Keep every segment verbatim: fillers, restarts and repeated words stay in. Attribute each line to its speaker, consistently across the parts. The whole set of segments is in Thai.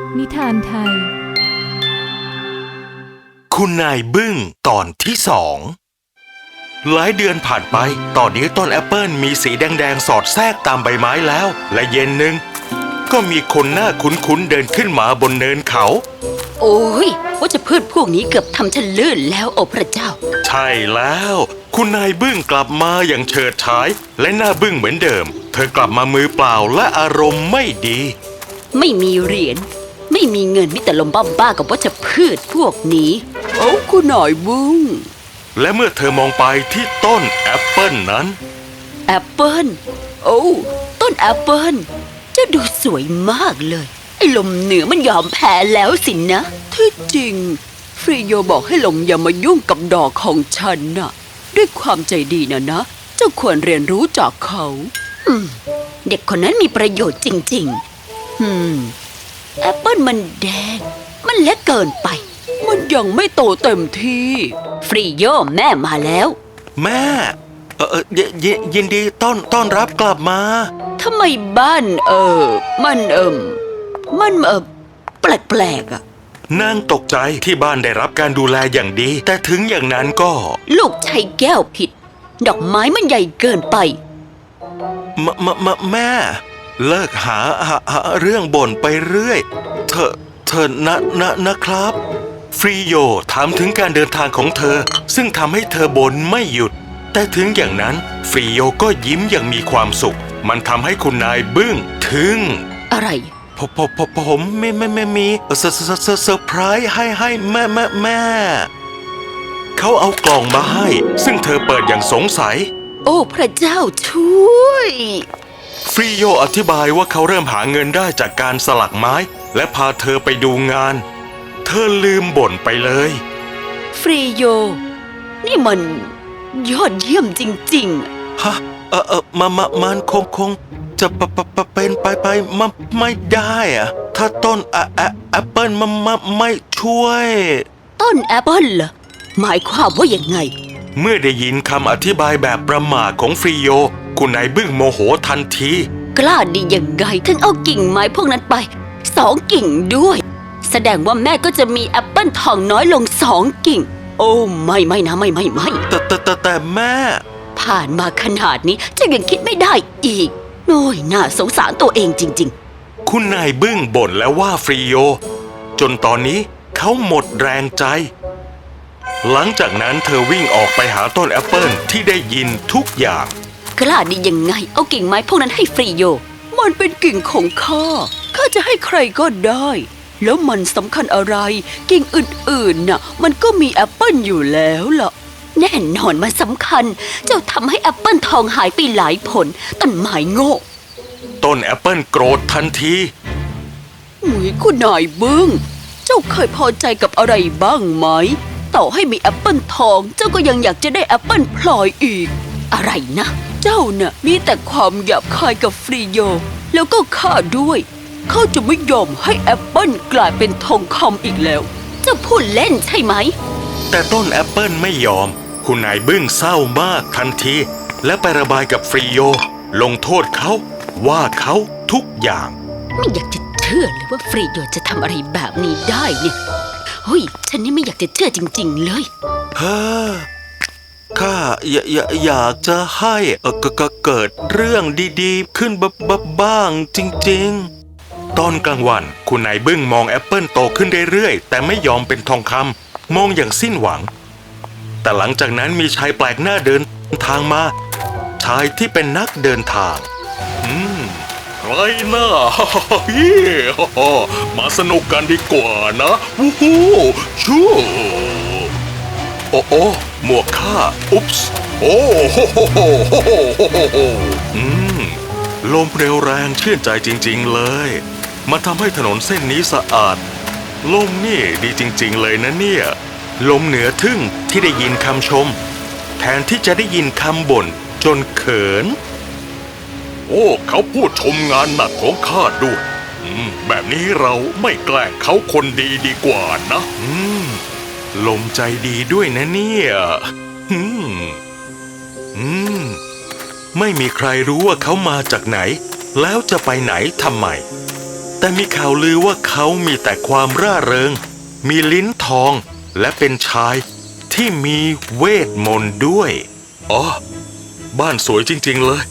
Speaker 1: นิทานไทย
Speaker 2: คุณนายบึ้งตอนที่สองหลายเดือนผ่านไปตอนนี้ต้นแอปเปิลมีสีแดงๆสอดแทรกตามใบไม้แล้วและเย็นหนึ่งก็มีคนหน้าคุ้นๆเดินขึ้นมาบนเนินเขา
Speaker 3: โอ้ยว่าจะพืชพวกนี้เกือบทำฉันลื่นแล้วโอ้พระเจ้า
Speaker 2: ใช่แล้วคุณนายบึ้งกลับมาอย่างเฉิดฉายและหน้าบึ้งเหมือนเดิมเธอกลับมามือเปล่าและอารมณ์ไม่ดี
Speaker 3: ไม่มีเหรียญไม่มีเงินมิแต่ลมบ้าๆกับว่าจะพืชพวกนี้โอ้คุณนายบึ้ง
Speaker 2: และเมื่อเธอมองไปที่ต้นแอปเปิลนั้น
Speaker 3: แอปเปิลโอ้ต้นแอปเปิลเจ้าดูสวยมากเลยไอ้ลมเหนือมันยอมแพ้แล้วสินะที่จริงฟรีโยบอกให้ลมอย่ามายุ่งกับดอกของฉันน่ะด้วยความใจดีนะนะเจ้าควรเรียนรู้จากเขาอืมเด็กคนนั้นมีประโยชน์จริงๆอืมแอปเปิลมันแดงมันเล็กเกินไปมันยังไม่โตเต็มที่ฟรีโยแม่มาแล้ว
Speaker 2: แม่เออเออเยยินดีต้อนต้อนรับกลับมา
Speaker 3: ทำไมบ้านเออมันเอิมมันเออแปลกๆอ่ะ
Speaker 2: นางตกใจที่บ้านได้รับการดูแลอย่างดีแต่ถึงอย่างนั้นก็
Speaker 3: ลูกใช้แก้วผิดดอกไม้มันใหญ่เกินไป
Speaker 2: มมมแม่เลิกหาหาหาเรื่องบ่นไปเรื่อยเธอเธอนะนะนะครับฟรีโยถามถึงการเดินทางของเธอซึ่งทำให้เธอบ่นไม่หยุดแต่ถึงอย่างนั้นฟรีโยก็ยิ้มอย่างมีความสุขมันทำให้คุณนายบึ้งถึง
Speaker 3: อะไร
Speaker 2: ผมผมผมไม่ไม่ไม่มีเซอร์เซอร์เซอร์ไพรส์ให้ให้แม่แม่แม่เขาเอากล่องมาให้ซึ่งเธอเปิดอย่างสงสัย
Speaker 3: โอ้พระเจ้าช่วย
Speaker 2: ฟรีโยอธิบายว่าเขาเริ่มหาเงินได้จากการสลักไม้และพาเธอไปดูงานเธอลืมบ่นไปเลย
Speaker 3: ฟรีโยนี่มันยอดเยี่ยมจริง
Speaker 2: ๆฮะเออเออมามามันคงคงจะปะปะปะเป็นไปไปมาไม่ได้อะถ้าต้นแอแอแอปเปิลมามาไม่ช่วย
Speaker 3: ต้นแอปเปิลเหรอหมายความว่าอย่างไง
Speaker 2: เมื่อได้ยินคำอธิบายแบบประหม่าของฟรีโยคุณนายบึ้งโมโหทันที
Speaker 3: กล้าดียังไงถึงเอากิ่งไม้พวกนั้นไปสองกิ่งด้วยแสดงว่าแม่ก็จะมีแอปเปิลทองน้อยลงสองกิ่งโอ้ไม่ไม่นะไม่ไม่ไม่
Speaker 2: แต่แต่แต่แต่แม่
Speaker 3: ผ่านมาขนาดนี้เจ้ายังคิดไม่ได้อีกโอ้ยน่าสงสารตัวเองจริง
Speaker 2: ๆคุณนายบึ้งบ่นแล้วว่าฟรีโยจนตอนนี้เขาหมดแรงใจหลังจากนั้นเธอวิ่งออกไปหาต้นแอปเปิลที่ได้ยินทุกอย่าง
Speaker 3: กล้าดียังไงเอากิ่งไม้พวกนั้นให้ฟรีโยมันเป็นกิ่งของข้าข้าจะให้ใครก็ได้แล้วมันสำคัญอะไรกิ่งอื่นๆน่ะมันก็มีแอปเปิลอยู่แล้วล่ะแน่นอนมันสำคัญเจ้าทำให้แอปเปิลทองหายไปหลายผลต้นไม้โง่
Speaker 2: ต้นแอปเปิลโกรธทันที
Speaker 3: อุ้ยคุณนายบึ้งเจ้าเคยพอใจกับอะไรบ้างไหมต่อให้มีแอปเปิลทองเจ้าก็ยังอยากจะได้แอปเปิลพลอยอีกอะไรนะเจ้าน่ะมีแต่ความหยาบคายกับฟรีโยแล้วก็ข้าด้วยเขาจะไม่ยอมให้แอปเปิลกลายเป็นทองคำอีกแล้วเจ้าพูดเล่นใช่ไหม
Speaker 2: แต่ต้นแอปเปิลไม่ยอมคุณนายบึ้งเศร้ามากทันทีและไประบายกับฟรีโยลงโทษเขาว่าเขาทุกอย่าง
Speaker 3: ไม่อยากจะเชื่อเลยว่าฟรีโยจะทำอะไรแบบนี้ได้เนี่ยเฮ้ยฉันนี่ไม่อยากจะเชื่อจริงๆเลย
Speaker 2: เฮ้อข้าอยากอยากจะให้เออก็เกิดเรื่องดีๆขึ้นบ้างจริงๆตอนกลางวันคุณนายบึ้งมองแอปเปิลโตขึ้นเรื่อยๆแต่ไม่ยอมเป็นทองคำมองอย่างสิ้นหวังแต่หลังจากนั้นมีชายแปลกหน้าเดินทางมาชายที่เป็นนักเดินทางอืมไรน่ามาสนุกกันดีกว่านะวู้ฮู้ชูโอ้โอ้หมวกข้าอุ๊ปส์โอ้โหอืมลมเร็วแรงชื่นใจจริงๆเลยมาทำให้ถนนเส้นนี้สะอาดลมนี่ดีจริงๆเลยนะเนี่ยลมเหนือทึ่งที่ได้ยินคำชมแทนที่จะได้ยินคำบ่นจนเขินโอ้เขาพูดชมงานหนักของข้าด้วยอืมแบบนี้เราไม่แกล้งเขาคนดีดีกว่านะอืมลมใจดีด้วยนะเนี่ยอืมอืมไม่มีใครรู้ว่าเขามาจากไหนแล้วจะไปไหนทำไมแต่มีข่าวลือว่าเขามีแต่ความร่าเริง มีลิ้นทองและเป็นชายที่มีเวทมนต์ด้วยอ๋อบ้านสวยจริงๆเลย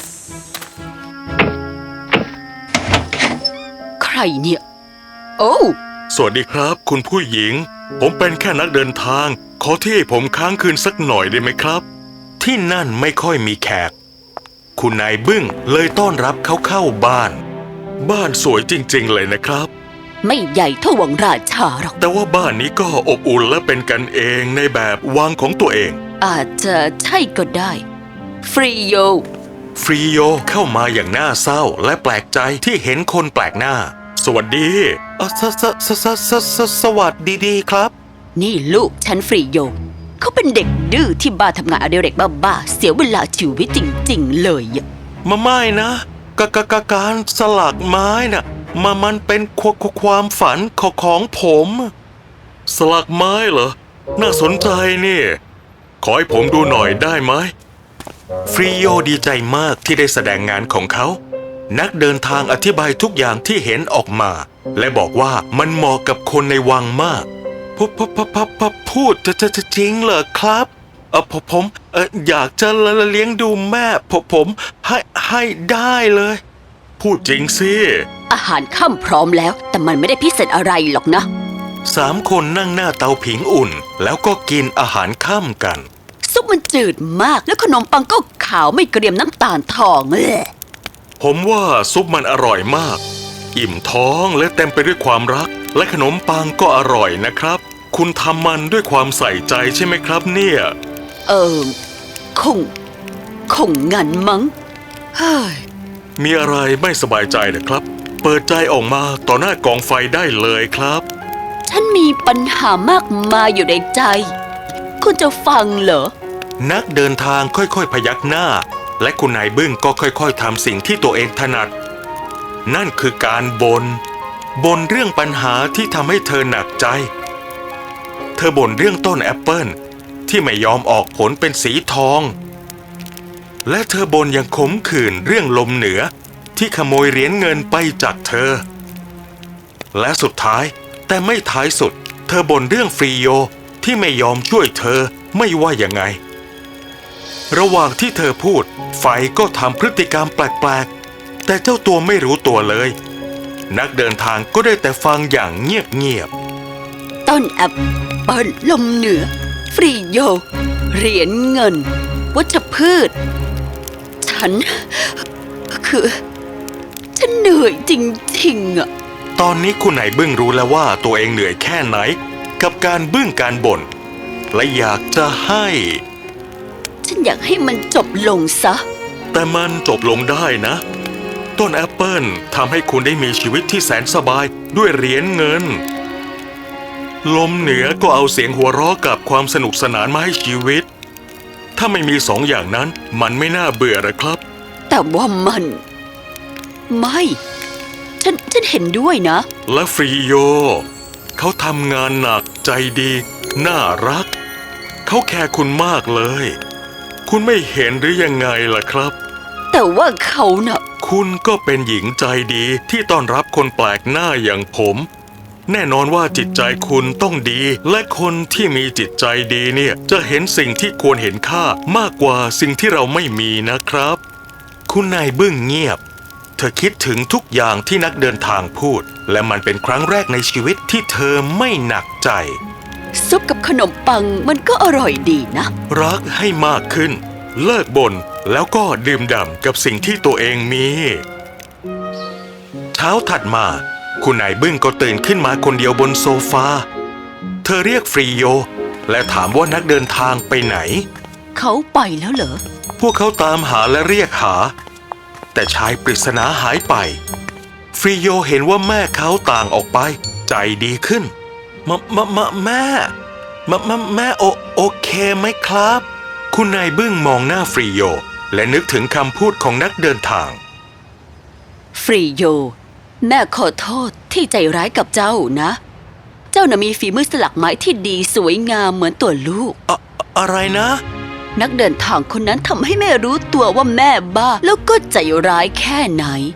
Speaker 3: ใครเนี่ย โอ้
Speaker 2: สวัสดีครับคุณผู้หญิง ผมเป็นแค่นักเดินทาง ขอที่ให้ผมค้างคืนสักหน่อยได้ไหมครับ ที่นั่นไม่ค่อยมีแขก คุณนายบึ้งเลยต้อนรับเขาเข้าบ้าน บ้านสวยจริงๆเลยนะครับ
Speaker 3: ไม่ใหญ่เท่าวังราชาหรอก
Speaker 2: แต่ว่าบ้านนี้ก็อบอุ่นและเป็นกันเองในแบบวังของตัวเอง
Speaker 3: อาจจะใช่ก็ได้ ฟรีโย
Speaker 2: ฟรีโยเข้ามาอย่างน่าเศร้าและแปลกใจที่เห็นคนแปลกหน้า สวัสดีอ่ะสสสสสสสวัสดีดีครับ
Speaker 3: นี่ลูกฉันฟรีโย เขาเป็นเด็กดื้อที่บ้าทำงานอดิเรกบ้าๆเสียเวลาชีวิตจริงๆเลยอะ
Speaker 2: มาไม่นะกะกะกะการสลักไม้น่ะมามันเป็นควควความฝันของของผม สลักไม้เหรอ น่าสนใจนี่ ขอให้ผมดูหน่อยได้ไหม ฟรีโยดีใจมากที่ได้แสดงงานของเขา นักเดินทางอธิบายทุกอย่างที่เห็นออกมา และบอกว่ามันเหมาะกับคนในวังมากพพพพพพูดจะจะจะจริงเหรอครับเออผมผมเอออยากจะเลี้ยงดูแม่ผมผมให้ให้ได้เลย พูดจริงสิ
Speaker 3: อาหารค่ำพร้อมแล้ว แต่มันไม่ได้พิเศษอะไรหรอกนะ
Speaker 2: สามคนนั่งหน้าเตาผิงอุ่น แล้วก็กินอาหารค่ำกัน
Speaker 3: ซุปมันจืดมากแล้วขนมปังก็ขาวไม่เกรียมน้ำตาลทองเลย
Speaker 2: ผมว่าซุปมันอร่อยมาก อิ่มท้องและเต็มไปด้วยความรัก และขนมปังก็อร่อยนะครับ คุณทำมันด้วยความใส่ใจใช่ไหมครับเนี่ย
Speaker 3: เออคง คงงั้นมั้งเฮ้ย
Speaker 2: มีอะไรไม่สบายใจนะครับ เปิดใจออกมาต่อหน้ากองไฟได้เลยครับ
Speaker 3: ฉันมีปัญหามากมายอยู่ในใจ คุณจะฟังเหรอ
Speaker 2: นักเดินทางค่อยๆพยักหน้า และคุณนายบึ้งก็ค่อยๆทำสิ่งที่ตัวเองถนัด นั่นคือการบน่นบ่นเรื่องปัญหาที่ทำให้เธอหนักใจ เธอบ่นเรื่องต้นแอปเปิลที่ไม่ยอมออกผลเป็นสีทอง และเธอบ่นอย่างขมขื่นเรื่องลมเหนือที่ขโมยเหรียญเงินไปจากเธอ และสุดท้ายแต่ไม่ท้ายสุด เธอบ่นเรื่องฟรีโยที่ไม่ยอมช่วยเธอไม่ว่ายังไง ระหว่างที่เธอพูดไฟก็ทำพฤติกรรมแปลกๆแต่เจ้าตัวไม่รู้ตัวเลย นักเดินทางก็ได้แต่ฟังอย่างเงียบ
Speaker 3: ต้นแอปเปิลลมเหนือ ฟรีโย เหรียญเงิน วัชพืช ฉัน คือ ฉันเหนื่อยจริงๆอะ
Speaker 2: ๆ ตอนนี้คุณนายบึ้งรู้แล้วว่าตัวเองเหนื่อยแค่ไหน กับการบึ้งการบ่นและอยากจะให้
Speaker 3: ฉันอยากให้มันจบลงซะ
Speaker 2: แต่มันจบลงได้นะ ต้นแอปเปิลทำให้คุณได้มีชีวิตที่แสนสบายด้วยเหรียญเงิน ลมเหนือก็เอาเสียงหัวเราะกับความสนุกสนานมาให้ชีวิต ถ้าไม่มีสองอย่างนั้นมันไม่น่าเบื่อหรอกครับ
Speaker 3: แต่ว่ามัน ไม่ ฉัน ฉันเห็นด้วยนะ
Speaker 2: และฟรีโย เขาทำงานหนักใจดี น่ารัก เขาแคร์คุณมากเลย คุณไม่เห็นหรือยังไงล่ะครับ
Speaker 3: แต่ว่าเขาน่ะ
Speaker 2: คุณก็เป็นหญิงใจดีที่ต้อนรับคนแปลกหน้าอย่างผม แน่นอนว่าจิตใจคุณต้องดี และคนที่มีจิตใจดีเนี่ยจะเห็นสิ่งที่ควรเห็นค่ามากกว่าสิ่งที่เราไม่มีนะครับ คุณนายบึ้งเงียบ เธอคิดถึงทุกอย่างที่นักเดินทางพูด และมันเป็นครั้งแรกในชีวิตที่เธอไม่หนักใจ
Speaker 3: ซุปกับขนมปังมันก็อร่อยดีนะ
Speaker 2: รักให้มากขึ้น เลิกบ่นแล้วก็ดื่มด่ำกับสิ่งที่ตัวเองมี เช้าถัดมา คุณนายบึ้งก็ตื่นขึ้นมาคนเดียวบนโซฟา เธอเรียกฟรีโย และถามว่านักเดินทางไปไหน
Speaker 3: เขาไปแล้วเหรอ
Speaker 2: พวกเขาตามหาและเรียกหา แต่ชายปริศนาหายไป ฟรีโยเห็นว่าแม่เขาต่างออกไป ใจดีขึ้นมะมะมะแม่มะมะแม่โอโอเคไหมครับ คุณนายบึ้งมองหน้าฟรีโย และนึกถึงคำพูดของนักเดินทาง
Speaker 3: ฟรีโย แม่ขอโทษที่ใจร้ายกับเจ้านะ เจ้าน่ะมีฝีมือสลักไม้ที่ดีสวยงามเหมือนตัวลูก
Speaker 2: อะอะไรนะ
Speaker 3: นักเดินทางคนนั้นทำให้แม่รู้ตัวว่าแม่บ้า แล้วก็ใจร้ายแค่ไหน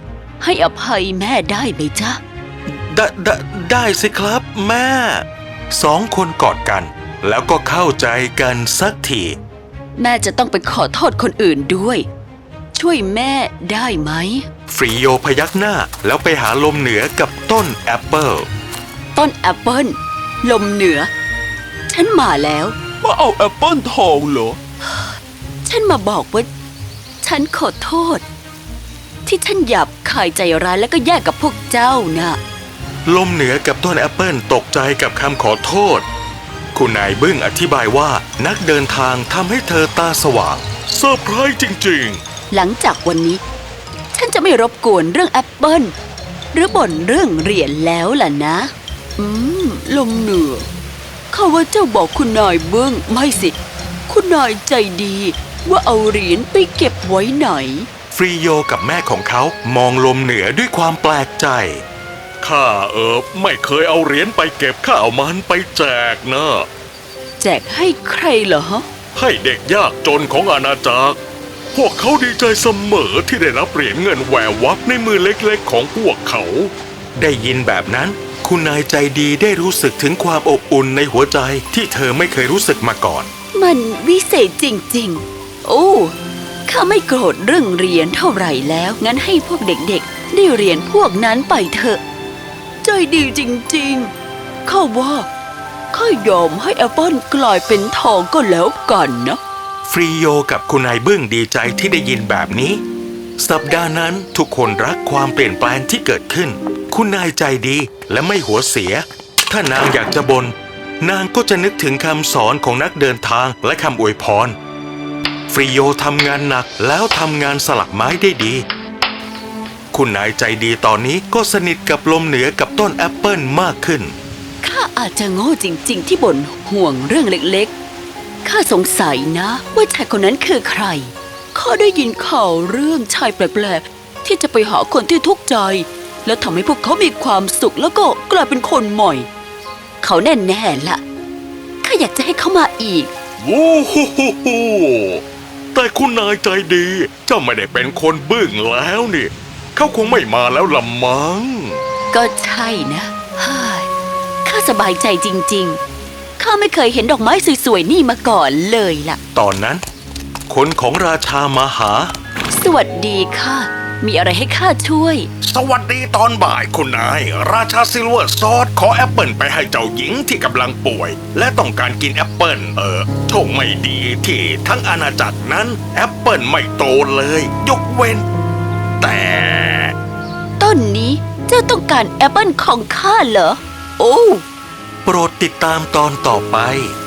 Speaker 3: ให้อภัยแม่ได้ไหมจ๊ะ
Speaker 2: ได้ได้ได้สิครับแม่ สองคนกอดกัน แล้วก็เข้าใจกันสักที
Speaker 3: แม่จะต้องไปขอโทษคนอื่นด้วย ช่วยแม่ได้ไหม
Speaker 2: ฟรีโยพยักหน้าแล้วไปหาลมเหนือกับต้นแอปเปิล
Speaker 3: ต้นแอปเปิลลมเหนือ ฉันมาแล้ว
Speaker 1: มาเอาแอปเปิลทองเหรอ
Speaker 3: ฉันมาบอกว่า ฉันขอโทษ ที่ฉันหยาบคายใจร้ายแล้วก็แยกกับพวกเจ้านะ
Speaker 2: ลมเหนือกับต้นแอปเปิลตกใจกับคำขอโทษ คุณนายบึ้งอธิบายว่านักเดินทางทำให้เธอตาสว่างเซอร์ไพรส์จริง
Speaker 3: หลังจากวันนี้ ฉันจะไม่รบกวนเรื่องแอปเปิลหรือบ่นเรื่องเหรียญแล้วล่ะนะ อืม ลมเหนือข้าว่าเจ้าบอกคุณนายเบิ้งไม่สิ คุณนายใจดี ว่าเอาเหรียญไปเก็บไว้ไหน
Speaker 2: ๆ ฟรีโยกับแม่ของเขามองลมเหนือด้วยความแปลกใจ ข้าเออไม่เคยเอาเหรียญไปเก็บข้าเอามันไปแจกนะ
Speaker 3: แจกให้ใครเหรอ
Speaker 2: ให้เด็กยากจนของอาณาจักร พวกเขาดีใจเสมอที่ได้รับเหรียญเงินแหวววับในมือเล็กๆของพวกเขา ได้ยินแบบนั้น คุณนายใจดีได้รู้สึกถึงความอบอุ่นในหัวใจที่เธอไม่เคยรู้สึกมาก่อน
Speaker 3: มันวิเศษจริงๆ โอ้ ข้าไม่โกรธเรื่องเรียนเท่าไหร่แล้ว งั้นให้พวกเด็กๆ ได้เรียนพวกนั้นไปเถอะ ใจดีจริงๆ ข้าว่าข้ายอมให้แอปเปิลกลายเป็นทองก็แล้วกันนะ
Speaker 2: ฟรีโยกับคุณนายบึ้งดีใจที่ได้ยินแบบนี้ สัปดาห์นั้นทุกคนรักความเปลี่ยนแปลงที่เกิดขึ้น คุณนายใจดีและไม่หัวเสีย ถ้านางอยากจะบน่นนางก็จะนึกถึงคำสอนของนักเดินทางและคำอวยพร ฟรีโยทำงานหนักแล้วทำงานสลักไม้ได้ดี คุณนายใจดีตอนนี้ก็สนิทกับลมเหนือกับต้นแอปเปิลมากขึ้น
Speaker 3: ข้าอาจจะโง่จริงๆ ที่บ่นห่วงเรื่องเล็กๆ ข้าสงสัยนะว่าชายคนนั้นคือใคร ข้าได้ยินข่าวเรื่องชายแปลกๆ ที่จะไปหาคนที่ทุกข์ใจ แล้วทำให้พวกเขามีความสุขแล้วก็กลายเป็นคนใหม่ เขาแน่ๆล่ะ ข้าอยากจะให้เขามาอีก
Speaker 2: วู้ฮู้ฮู้ฮู้แต่คุณนายใจดี เจ้าไม่ได้เป็นคนบึ้งแล้วนี่ เขาคงไม่มาแล้วละมั้ง
Speaker 3: ก็ใช่นะเฮ้ยข้าสบายใจจริงๆ ข้าไม่เคยเห็นดอกไม้สวยๆนี่มาก่อนเลยล่ะ
Speaker 2: ตอนนั้น คนของราชามาหา
Speaker 3: สวัสดีค่ะ มีอะไรให้ข้าช่วย
Speaker 2: สวัสดีตอนบ่ายคุณนาย ราชาซิลเวอร์ซอสขอแอปเปิลไปให้เจ้าหญิงที่กำลังป่วย และต้องการกินแอปเปิลเออโชคไม่ดีที่ทั้งอาณาจักรนั้นแอปเปิลไม่โตเลย ยกเว้น แต่
Speaker 3: ต้นนี้เจ้าต้องการแอปเปิลของข้าเหรอ โอ้
Speaker 2: โปรดติดตามตอนต่อไป